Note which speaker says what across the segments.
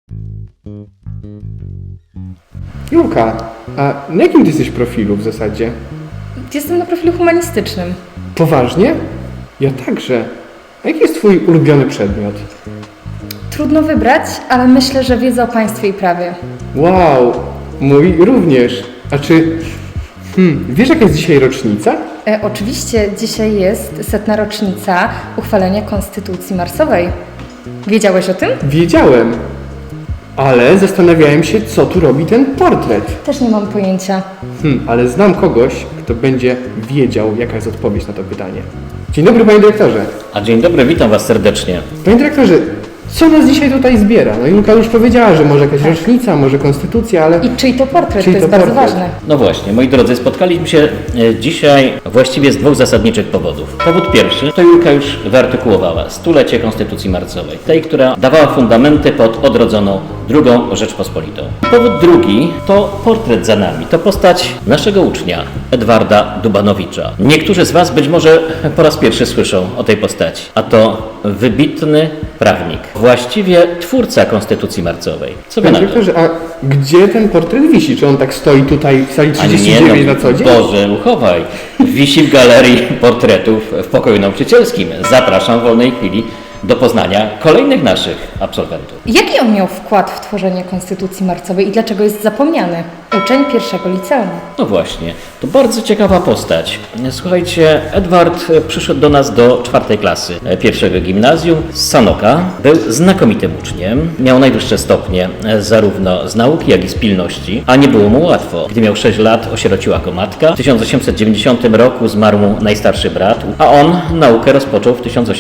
Speaker 1: Julka, a na jakim ty jesteś profilu w zasadzie?
Speaker 2: Jestem na profilu humanistycznym.
Speaker 1: Poważnie? Ja także. A jaki jest twój ulubiony przedmiot?
Speaker 2: Trudno wybrać, ale myślę, że wiedza o państwie i prawie.
Speaker 1: Wow, mój również. A czy... wiesz jaka jest dzisiaj rocznica?
Speaker 2: Oczywiście dzisiaj jest 100. rocznica uchwalenia Konstytucji Marsowej. Wiedziałeś o tym?
Speaker 1: Wiedziałem. Ale zastanawiałem się, co tu robi ten portret.
Speaker 2: Też nie mam pojęcia.
Speaker 1: Ale znam kogoś, kto będzie wiedział, jaka jest odpowiedź na to pytanie. Dzień dobry, panie dyrektorze.
Speaker 3: A dzień dobry, witam Was serdecznie.
Speaker 1: Panie dyrektorze, co nas dzisiaj tutaj zbiera? No Julka już powiedziała, że może jakaś rocznica, może konstytucja, ale...
Speaker 2: I czyj to portret?
Speaker 1: Czyj
Speaker 2: To jest
Speaker 1: to
Speaker 2: bardzo
Speaker 1: portret?
Speaker 2: ważne.
Speaker 3: No właśnie, moi drodzy, spotkaliśmy się dzisiaj właściwie z dwóch zasadniczych powodów. Powód pierwszy, to Julka już wyartykułowała, stulecie Konstytucji Marcowej, tej, która dawała fundamenty pod odrodzoną II Rzeczpospolitą. Powód drugi to portret za nami, to postać naszego ucznia, Edwarda Dubanowicza. Niektórzy z Was być może po raz pierwszy słyszą o tej postaci, a to wybitny prawnik, właściwie twórca Konstytucji Marcowej. Co Wy
Speaker 1: Panie
Speaker 3: na to?
Speaker 1: dyrektorze, a gdzie ten portret wisi? Czy on tak stoi tutaj w sali
Speaker 3: A nie,
Speaker 1: 39 na co dzień?
Speaker 3: Boże, uchowaj. Wisi w galerii portretów w pokoju nauczycielskim. Zapraszam w wolnej chwili do poznania kolejnych naszych absolwentów.
Speaker 2: Jaki on miał wkład w tworzenie Konstytucji Marcowej i dlaczego jest zapomniany? Uczeń pierwszego liceum.
Speaker 3: No właśnie, to bardzo ciekawa postać. Słuchajcie, Edward przyszedł do nas do 4. klasy pierwszego gimnazjum z Sanoka. Był znakomitym uczniem, miał najwyższe stopnie zarówno z nauki, jak i z pilności, a nie było mu łatwo. Gdy miał 6 lat, osierociła go matka. W 1890 roku zmarł mu najstarszy brat, a on naukę rozpoczął w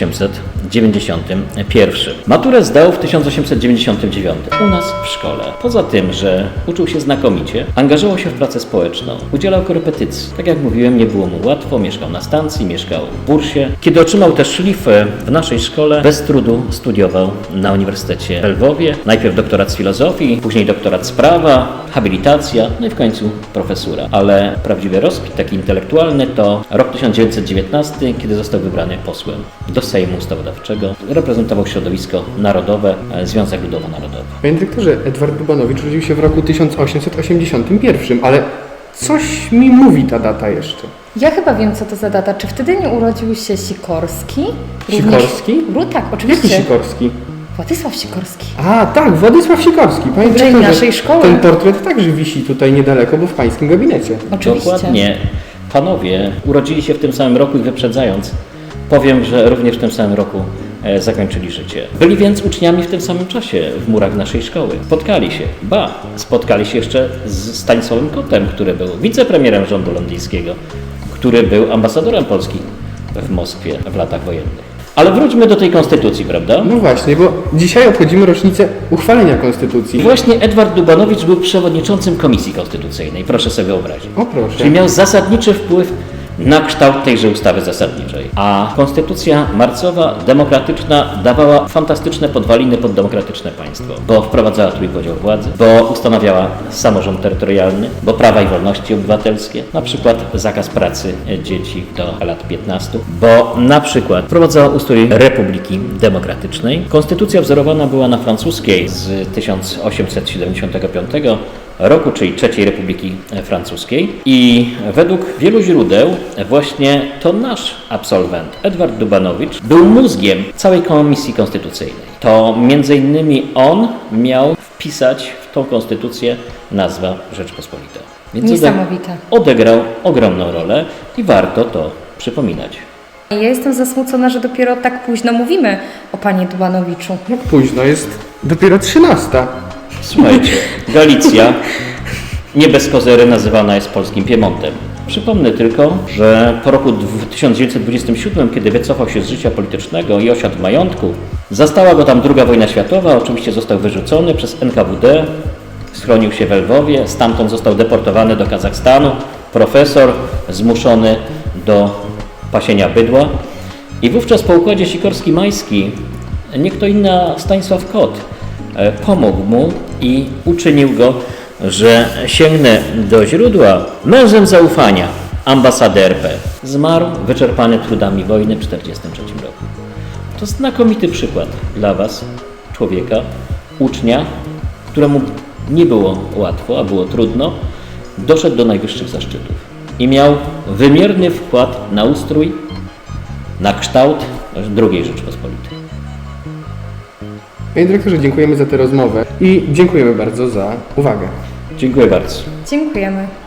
Speaker 3: 1891. Maturę zdał w 1899 u nas w szkole. Poza tym, że uczył się znakomicie, angażował się w pracę społeczną, udzielał korepetycji. Tak jak mówiłem, nie było mu łatwo, mieszkał na stacji, mieszkał w bursie. Kiedy otrzymał też szlifę w naszej szkole, bez trudu studiował na Uniwersytecie w Lwowie. Najpierw doktorat z filozofii, później doktorat z prawa, habilitacja, no i w końcu profesura. Ale prawdziwy rozkwit taki intelektualny to rok 1919, kiedy został wybrany posłem do Sejmu Ustawodawczego. Reprezentował środowisko narodowe, Związek Ludowo-Narodowy.
Speaker 1: Panie dyrektorze, Edward Dubanowicz urodził się w roku 1881, ale coś mi mówi ta data jeszcze.
Speaker 2: Ja chyba wiem, co to za data. Czy wtedy nie urodził się Sikorski?
Speaker 1: Sikorski?
Speaker 2: Tak,
Speaker 1: Jaki
Speaker 2: oczywiście.
Speaker 1: Sikorski?
Speaker 2: Władysław Sikorski.
Speaker 1: A, tak, Władysław Sikorski. Panie
Speaker 2: Uczeń
Speaker 1: dyrektorze,
Speaker 2: naszej szkoły.
Speaker 1: ten portret także wisi tutaj niedaleko, bo w pańskim gabinecie.
Speaker 2: Oczywiście.
Speaker 3: Dokładnie. Panowie urodzili się w tym samym roku i wyprzedzając, powiem, że również w tym samym roku zakończyli życie. Byli więc uczniami w tym samym czasie w murach naszej szkoły. Spotkali się jeszcze z Stanisławem Kotem, który był wicepremierem rządu londyńskiego, który był ambasadorem Polski w Moskwie w latach wojennych. Ale wróćmy do tej konstytucji, prawda?
Speaker 1: No właśnie, bo dzisiaj obchodzimy rocznicę uchwalenia konstytucji.
Speaker 3: I właśnie Edward Dubanowicz był przewodniczącym Komisji Konstytucyjnej, proszę sobie wyobrazić.
Speaker 1: O proszę.
Speaker 3: Czyli miał zasadniczy wpływ na kształt tejże ustawy zasadniczej. A Konstytucja Marcowa, demokratyczna, dawała fantastyczne podwaliny pod demokratyczne państwo, bo wprowadzała trójpodział władzy, bo ustanawiała samorząd terytorialny, bo prawa i wolności obywatelskie, na przykład zakaz pracy dzieci do lat 15, bo na przykład wprowadzała ustrój Republiki Demokratycznej. Konstytucja wzorowana była na francuskiej z 1875 roku, czyli III Republiki Francuskiej. I według wielu źródeł właśnie to nasz absolwent, Edward Dubanowicz, był mózgiem całej Komisji Konstytucyjnej. To między innymi on miał wpisać w tą konstytucję nazwę Rzeczpospolita. Więc
Speaker 2: Niesamowite.
Speaker 3: odegrał ogromną rolę i warto to przypominać.
Speaker 2: Ja jestem zasmucona, że dopiero tak późno mówimy o panie Dubanowiczu.
Speaker 1: Jak późno, jest dopiero 13.
Speaker 3: Słuchajcie, Galicja nie bez kozery nazywana jest polskim Piemontem. Przypomnę tylko, że po roku 1927, kiedy wycofał się z życia politycznego i osiadł w majątku, zastała go tam II wojna światowa, oczywiście został wyrzucony przez NKWD, schronił się w Lwowie, stamtąd został deportowany do Kazachstanu, profesor zmuszony do pasienia bydła i wówczas po układzie Sikorski-Majski nie kto inny, a Stanisław Kot pomógł mu i uczynił go, że sięgnę do źródła, mężem zaufania ambasady RP. Zmarł wyczerpany trudami wojny w 1943 roku. To znakomity przykład dla Was, człowieka, ucznia, któremu nie było łatwo, a było trudno, doszedł do najwyższych zaszczytów i miał wymierny wkład na ustrój, na kształt II Rzeczpospolitej.
Speaker 1: Panie dyrektorze, dziękujemy za tę rozmowę i dziękujemy bardzo za uwagę.
Speaker 3: Dziękuję bardzo.
Speaker 2: Dziękujemy.